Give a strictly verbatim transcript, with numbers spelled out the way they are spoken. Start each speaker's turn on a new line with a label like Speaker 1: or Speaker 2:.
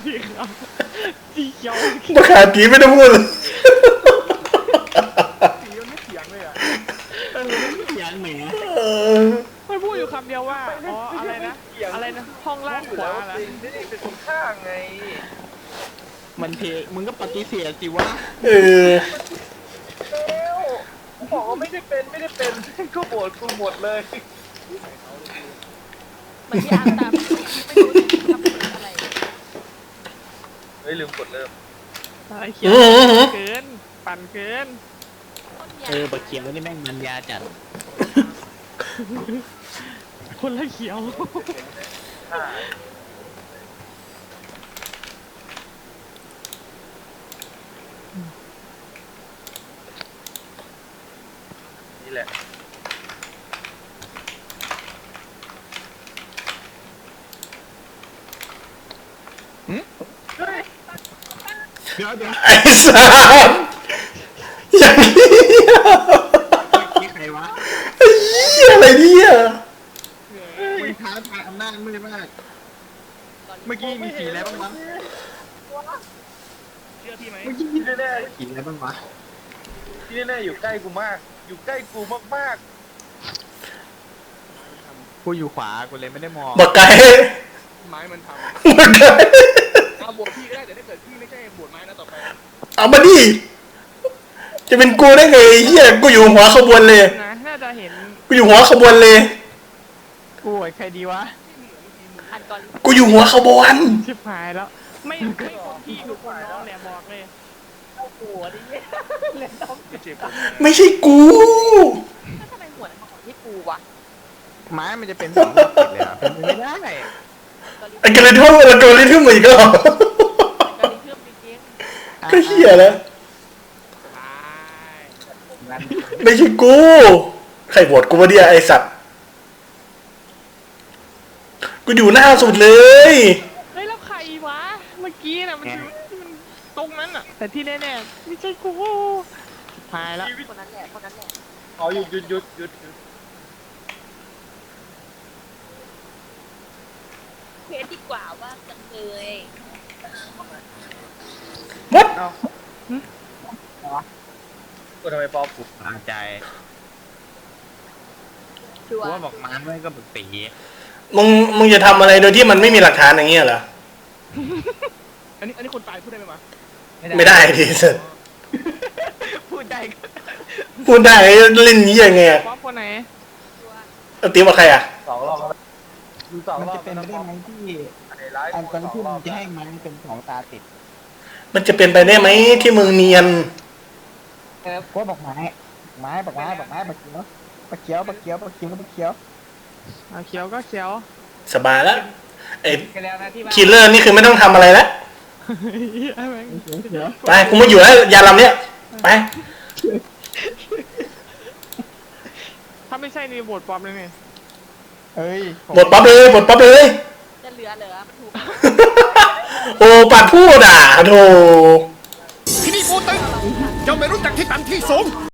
Speaker 1: สีขาวสีเขียว
Speaker 2: มาขาดผีไม่ได้พูดเลย
Speaker 3: สีมันไม่เถียงเลยอ่ะ
Speaker 1: เออไม่เถียงหนู
Speaker 2: เออ
Speaker 1: มันพูดอยู่คำเดียวว่าอ๋ออะไรนะอะไรนะห้องล่างขวาละ
Speaker 3: นี่เป็นคนข้างไง
Speaker 1: มันเพมึงก็ปฏิเสธสิวะ
Speaker 2: เออ
Speaker 3: เอ้าบอกว่าไม่ได้เป็นไม่ได้เป็นก็โหวตกูหมดเลย
Speaker 4: เหมือนที่อาร์ตามไม่รู้ทำอะไร
Speaker 3: เฮ้ยลืมกดเริ่ม
Speaker 1: อะไรเขียวเกินปั่นเกิน
Speaker 4: ต้นยา
Speaker 1: เออบักเขียวนี่แม่งมันยาจัดคนละเขียว
Speaker 3: อ่านี่แหละ
Speaker 1: เดี๋ยวเดี๋ยว
Speaker 2: ไอ้สัสอย่างนี้
Speaker 1: นี่ใครวะ
Speaker 2: ไอ้เหี้ยอะไรเนี่ย
Speaker 1: มึงท้าทายอำนาจมืดมากเมื่อกี้มีสีอะไรบ้างวะเชื่อพี่ไหม
Speaker 3: เมื่อกี้ที่แน่
Speaker 1: สีอะไรบ้างวะ
Speaker 3: ๆที่แน่ๆอยู่ใกล้กูมาก อยู่ใกล้กูมาก
Speaker 1: กูอยู่ขวากูเลยไม่ได้มอง
Speaker 2: บักไก่
Speaker 3: ๆไม้มันท
Speaker 2: บักไก่
Speaker 3: ำเอาบวกพี่ก็ได้แต่ถ้าเกิดพี่ไม่ใช่บวกไม้นะต่อไป
Speaker 2: เอามาดิจะเป็นกูได้ไงไอ้เหี้ยกูอยู่หัวขบวนเลย
Speaker 1: นะน่าจะเห็น
Speaker 2: กูอยู่หัวขบวนเลย
Speaker 1: กูไอ้ใครดีวะ
Speaker 4: อันก่อน
Speaker 2: กูอยู่หัวขบวน
Speaker 1: ชิบหายแล้ว ไม่ไม่คนพี่คือคนน้องแหละบอกเลย
Speaker 4: เอาหัวดิเล่นต้อง
Speaker 3: ไม่เจ็บ
Speaker 2: ไม่ใช่กู
Speaker 4: ถ้าทำไมหัวมันของที่กูวะ
Speaker 1: ไม้มันจะเป็นสองแบบติดเลยอ่ะเป็นไปไม่ได้
Speaker 2: ไอ้กระทุ่มไอ้กระทุ่มอีกแล้ว
Speaker 4: ก็รีเพิ่มจริง
Speaker 2: ก็เหี้ยแล้ว
Speaker 1: งั้น
Speaker 2: ไม่ใช่กู ใครโหวตกูวะเดียไอสัตว์ กูอยู่หน้าสุดเลย
Speaker 1: เฮ้ยแล้วใครวะ เมื่อกี้น่ะมันอยู่มันตรงนั้นอ่ะ แต่ที่แน่ๆไม่ใช่กูชิบหายแล้ว
Speaker 4: ๆคนนั้นแหละคนนั้นแหละ
Speaker 3: อ๋อหยุดหยุดหยุดหยุดหยุด
Speaker 4: เควสดีกว่าว่าจังเลย
Speaker 2: มด
Speaker 3: เอากูทำไมปอกู
Speaker 1: อาใจ
Speaker 4: ชัว
Speaker 1: กู
Speaker 4: ร์
Speaker 1: ว่าบอกม้าไม่ก็บึกตี
Speaker 2: มึง มึงจะทำอะไรโดยที่มันไม่มีหลักฐานอย่างเงี้ยเหรอ
Speaker 3: อันนี้อันนี้คนตายพูดได้ไหมวะ
Speaker 2: ไม่ได้ดิสัตว์
Speaker 1: พูดได้
Speaker 2: พูดได้เล่นนี้ยังไงอะ
Speaker 1: ว่าคนไหน
Speaker 4: ชัวร์
Speaker 2: เอาตีมาใครอะ
Speaker 3: สองรอบแล้วดูสอง
Speaker 5: มัน
Speaker 3: รอบ
Speaker 5: จะเป็นไปได้ไหมที่
Speaker 3: ไอ้ไลฟ์
Speaker 5: อันกอริทึม
Speaker 3: สงรอบ
Speaker 5: จะให้ไม้เป็นสองตาติด
Speaker 2: มันจะเป็นไปได้ไหมที่มึงเนียน
Speaker 5: เออก็บอกไม้ไม้บอกไม้บอกไม้บักเขียวบักเขียวบักเขียวบักเขียวบักเขียว
Speaker 1: เอาเขียวก็เขียว
Speaker 2: สบายแล้วไอ้
Speaker 5: กันแล้วนะที่ว่า
Speaker 2: คิลเลอร์นี่คือไม่ต้องทำอะไรแล้ว
Speaker 1: ไอ้แม่ง
Speaker 5: เขียวเขียว
Speaker 2: ไป กูไม่อยู่แล้วยาลำเนี้ย ไป
Speaker 1: ถ้าไม่ใช่นี่โบดปลอมเลยไง
Speaker 5: เอ้ย
Speaker 2: บทปั๊บเลยบทปั๊บเลย
Speaker 4: จะเหลือเหลือมันถูก
Speaker 2: โอ้ปัดพูดอ่ะโธ่
Speaker 6: ที่นี่ปูตึงเจ้าไม่รู้จักที่ต่ำที่สูง